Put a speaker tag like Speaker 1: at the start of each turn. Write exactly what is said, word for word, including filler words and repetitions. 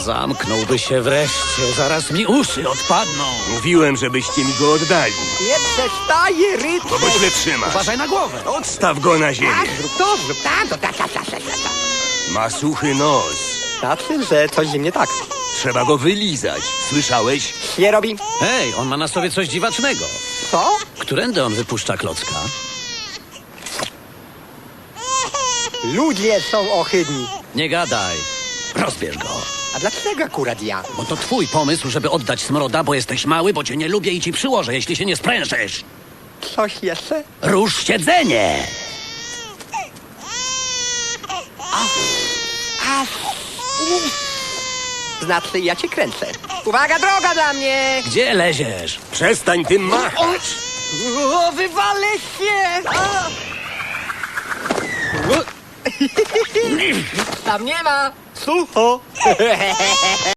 Speaker 1: Zamknąłby się wreszcie, zaraz mi uszy odpadną.
Speaker 2: Mówiłem, żebyście mi go oddali.
Speaker 3: Nie przestaje ryć.
Speaker 2: To go źle trzyma.
Speaker 1: Uważaj na głowę.
Speaker 2: Odstaw go na ziemię.
Speaker 3: Tak, zrób to, zrób tam, to tak, tak, tak, tak, tak.
Speaker 2: Ma suchy nos.
Speaker 3: Znaczy, że coś z nim nie tak.
Speaker 2: Trzeba go wylizać. Słyszałeś?
Speaker 3: Nie robi.
Speaker 1: Hej, on ma na sobie coś dziwacznego.
Speaker 3: Co?
Speaker 1: Którędy on wypuszcza klocka?
Speaker 3: Ludzie są ohydni.
Speaker 1: Nie gadaj. Rozbierz go.
Speaker 3: A dlaczego akurat ja?
Speaker 1: Bo to twój pomysł, żeby oddać Smroda, bo jesteś mały, bo cię nie lubię i ci przyłożę, jeśli się nie sprężysz.
Speaker 3: Coś jeszcze?
Speaker 1: Rusz siedzenie!
Speaker 3: A, znaczy, ja cię kręcę. Uwaga, droga dla mnie!
Speaker 1: Gdzie leziesz?
Speaker 2: Przestań tym machać.
Speaker 3: O, wywalę się! A! Tam nie ma! Sucho!